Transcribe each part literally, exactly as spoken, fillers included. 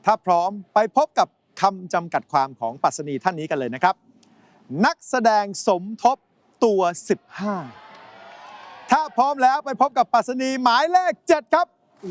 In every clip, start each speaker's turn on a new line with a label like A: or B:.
A: ถ้าพร้อมไปพบกับคำจำกัดความของปรัชนีท่านนี้กันเลยนะครับนักแสดงสมทบตัวสิบห้าถ้าพร้อมแล้วไปพบกับปรัชนีหมายเลขเจ็ดครับ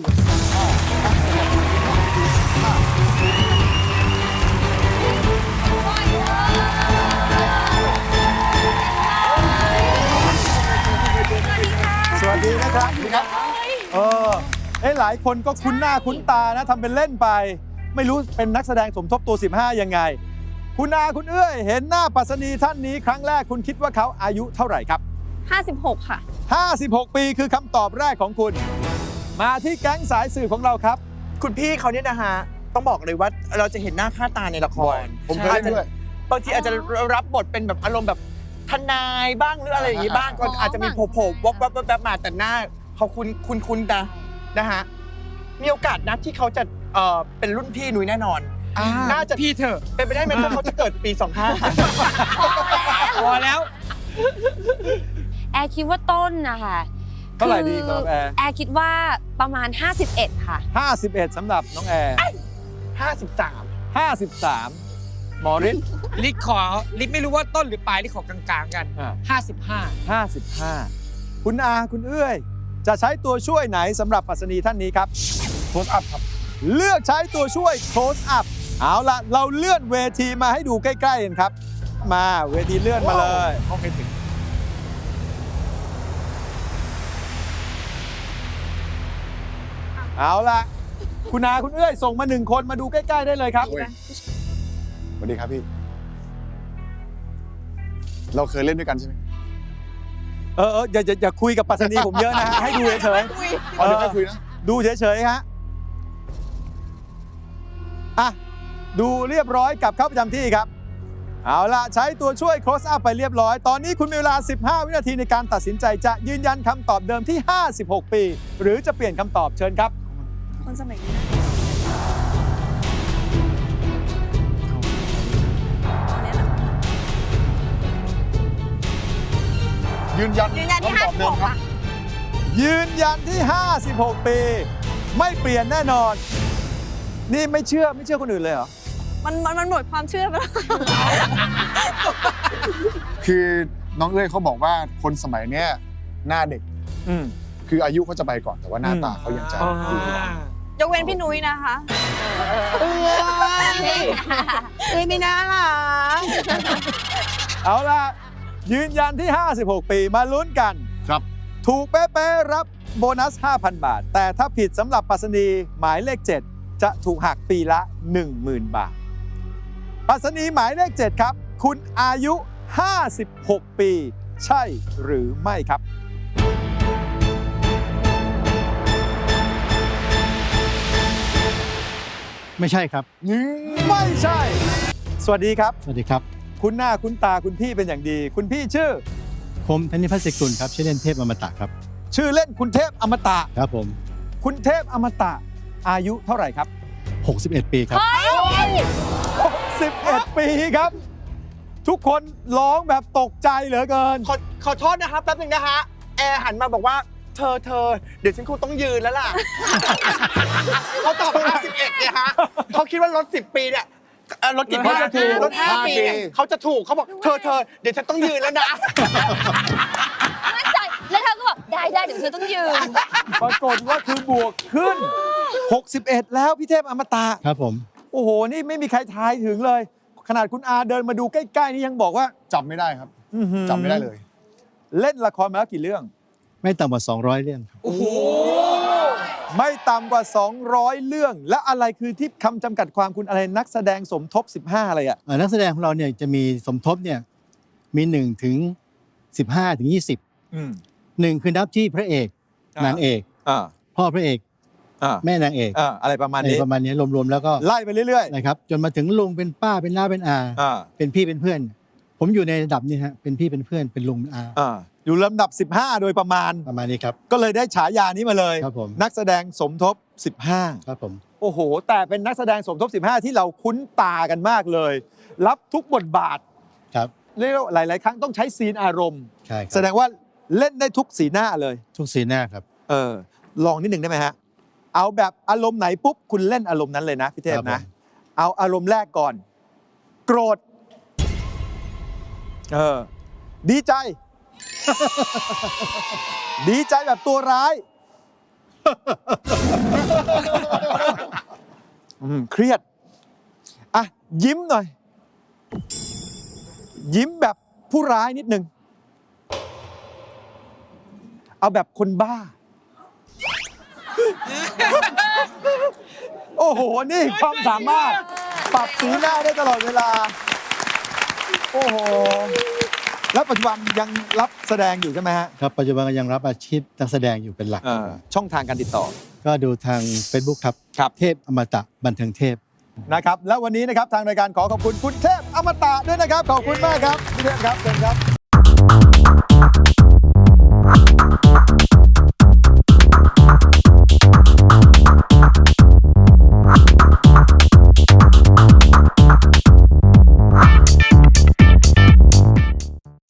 A: สวัสดีนะครับเออเอ้หลายคนก็คุ้นหน้าคุ้นตานะทำเป็นเล่นไปไม่รู้เป็นนักแสดงสมทบตัวสิบห้ายังไงคุณอาคุณเอื้อยเห็นหน้าปรัชนีท่านนี้ครั้งแรกคุณคิดว่าเขาอายุเท่าไหร่ครับ
B: ห้าสิบหกค่ะ
A: ห้าสิบหกปีคือคำตอบแรกของคุณมาที่แก๊งสายสื่อของเราครับ
C: คุณพี่เขาเนี่ยนะฮะต้องบอกเลยว่าเราจะเห็นหน้าค่าตาในละคร
A: ผมเคยเล่นด้วย
C: บางทีอาจจะรับบทเป็นแบบอารมณ์แบบทนายบ้างหรืออะไรอย่างงี้บ้างก็อาจจะมีโผล่ๆวับวับวับมาแต่หน้าเขาคุณคุณคุณนะนะฮะมีโอกาสนัดที่เขาจะเอ่อเป็นรุ่นพี่นุ้ยแน่นอนน่าจะ
D: พี่เถอะ
C: เป็นไปได้ไหมว่าเขาจะเกิดปีสองห้า
D: พอแล้ว
B: แอร์คิดว่าต้นนะคะ
A: เท่าไหร่ดีครับแอร์
B: แอร์คิดว่าประมาณห้าสิบเอ็ดค่ะ
A: ห้าสิบเอ็ดสำหรับน้องแอร์
C: ห้าสิบสาม
A: ห้าสิบสามหมอฤทธิ์
D: ลิศขอลิศไม่รู้ว่าต้นหรือปลายลิศขอกลางๆกันห้าสิบห้า
A: ห้าสิบห้าคุณอาคุณเอื้อยจะใช้ตัวช่วยไหนสำหรับปรัชนีท่านนี้ครับ
E: close up ครับ
A: เลือกใช้ตัวช่วย close up เอาล่ะเราเลื่อนเวทีมาให้ดูใกล้ๆกันครับมาเวทีเลื่อนมาเลย
E: โอเคถึง
A: เอาล่ะคุณอาคุณเอื้อยส่งมาหนึ่งคนมาดูใกล้ๆได้เลยครับ
E: สวัสดีครับพี่เราเคยเล่นด้วยกันใช่ไหม
A: เออเอออย่าอย่าอย่าคุยกับปรัชนีผมเยอะนะฮะให้ดูเฉยๆ
E: อ๋อเดี๋ยวไม่คุยนะ
A: ดูเฉยๆฮะอ่ะดูเรียบร้อยกลับเข้าประจำที่ครับเอาล่ะใช้ตัวช่วย close up ไปเรียบร้อยตอนนี้คุณมีเวลาสิบห้าวินาทีในการตัดสินใจจะยืนยันคำตอบเดิมที่ห้าสิบหกปีหรือจะเปลี่ยนคำตอบเชิญครับ
B: คนสมัยนี้
E: ยืนยัน
B: ยืนยันที่ห้าสิบหกค่ะ
A: ยืนยันที่ห้าสิบหกปีไม่เปลี่ยนแน่นอนนี่ไม่เชื่อไม่เชื่อคนอื่นเลยเหรอ
B: มันมันมันหมดความเชื่อไปแล้ว
E: คือน้องเอ้ยเขาบอกว่าคนสมัยเนี้ยหน้าเด็ก
A: อืม
E: คืออายุเขาจะไปก่อนแต่ว่าหน้าตาเขายังจะอยู่
B: ยกเว้นพี่นุ้ยนะคะ
C: เอ้ยเอ้ยไม่น่าล่ะ
A: เอาล่ะยืนยันที่ห้าสิบหกปีมาลุ้นกัน
E: ครับ
A: ถูกเป๊ะๆรับโบนัส ห้าพัน บาทแต่ถ้าผิดสำหรับปรัชนีหมายเลขเจ็ดจะถูกหักปีละ หนึ่งหมื่น บาทปรัชนีหมายเลขเจ็ดครับคุณอายุห้าสิบหกปีใช่หรือไม่ครับ
F: ไม่ใช่ครับ
A: ไม่ใช่สวัสดีครับ
F: สวัสดีครับ
A: คุณหน้าคุณตาคุณพี่เป็นอย่างดีคุณพี่ชื่อ
F: ผมธนิพัฒน์ศิกุลครับชื่อเล่นเทพอมตะครับ
A: ชื่อเล่นคุณเทพอมตะ
F: ครับผม
A: คุณเทพอมตะอายุเท่าไหร่ครับ
F: หกสิบเอ็ดปีครับ
A: หกสิบเอ็ดปีครับทุกคนร้องแบบตกใจเหลือเกิน
C: ขอขอโทษนะครับแป๊บนึงนะฮะแอร์หันมาบอกว่าเธอเธอเดี๋ยวฉันคงต้องยืนแล้วล่ะเขาตอบห้าสิบเอ็ดเนี่ยฮะเขาคิดว่ารถสิบปีเนี่ยรถกี่ปีรถห้าปีเขาจะถูกเขาบอกเธอเธอเดี๋ยวฉันต้องยืนแล้วนะ
B: มั่นใจแล้วเธอก็บอกได้ได้เดี๋ยวเธอต้องยืน
A: ปรากฏว่าคือบวกขึ้นหกสิบเอ็ดแล้วพี่เทพอมตะ
F: ครับผม
A: โอ้โหนี่ไม่มีใครทายถึงเลยขนาดคุณอาเดินมาดูใกล้ๆนี่ยังบอกว่า
E: จำไม่ได้ครับจำไม่ได้เลย
A: เล่นละครมาแล้วกี่เรื่อง
F: ไม่ต่ำกว่าสองร้อยเรื่อง
A: โอ้โหไม่ต่ำกว่าสองร้อยเรื่องแล้วอะไรคือที่คำจำกัดความคุณอะไรนักแสดงสมทบสิบห้าอะไรอ่ะ
F: นักแสดงของเราเนี่ยจะมีสมทบเนี่ยมีหนึ่งถึงสิบห้าถึงยี่สิบหนึ่งคือนับที่พระเอกนางเอกพ่อพระเอกแม่นางเอก
A: อะไรประมาณนี้
F: ประมาณนี้รวมๆแล้วก็
A: ไล่ไปเรื่อย
F: ๆนะครับจนมาถึงลุงเป็นป้าเป็นน้าเป็นอาเป็นพี่เป็นเพื่อนผมอยู่ในระดับนี้ฮะเป็นพี่เป็นเพื่อนเป็นลุงอา
A: อยู่ลำดับสิบห้าโดยประมาณ
F: ประมาณนี้ครับ
A: ก็เลยได้ฉายานี้มาเลย
F: ครับผม
A: นักแสดงสมทบสิบห้า
F: ครับผม
A: โอ้โหแต่เป็นนักแสดงสมทบสิบห้าที่เราคุ้นตากันมากเลยรับทุกบทบาท
F: ครับ
A: เรียกว่าหลายๆครั้งต้องใช้ซีนอารมณ์
F: ใช่
A: แสดงว่าเล่นได้ทุกสีหน้าเลย
F: ทุกสีหน้าครับ
A: เออลองนิดหนึ่งได้ไหมฮะเอาแบบอารมณ์ไหนปุ๊บคุณเล่นอารมณ์นั้นเลยนะพี่เทพ
F: ครับ
A: นะ
F: ผม
A: เอาอารมณ์แรกก่อน โกรธเออดีใจ ดีใจแบบตัวร้าย อืมเครียดอ่ะยิ้มหน่อย ยิ้มแบบผู้ร้ายนิดนึง เอาแบบคนบ้า โอ้โห นี่ความสามารถ ปรับสีหน้าได้ตลอดเวลา โอ้โห แล้วปัจจุบันยังรับแสดงอยู่ใช่ไหมฮะ
F: ครับปัจจุบันก็ยังรับอาชีพนักแสดงอยู่เป็นหลัก
A: เอ่อช่องทางการติดต่อ
F: ก็ดูทาง Facebook ครับ
A: ครับ
F: เทพอมตะบันเทิงเทพ
A: นะครับ แล้ววันนี้นะครับทางรายการขอขอบคุณคุณเทพอมตะด้วยนะครับ ขอบคุณมากครับพี่เทพครับเชิญครับ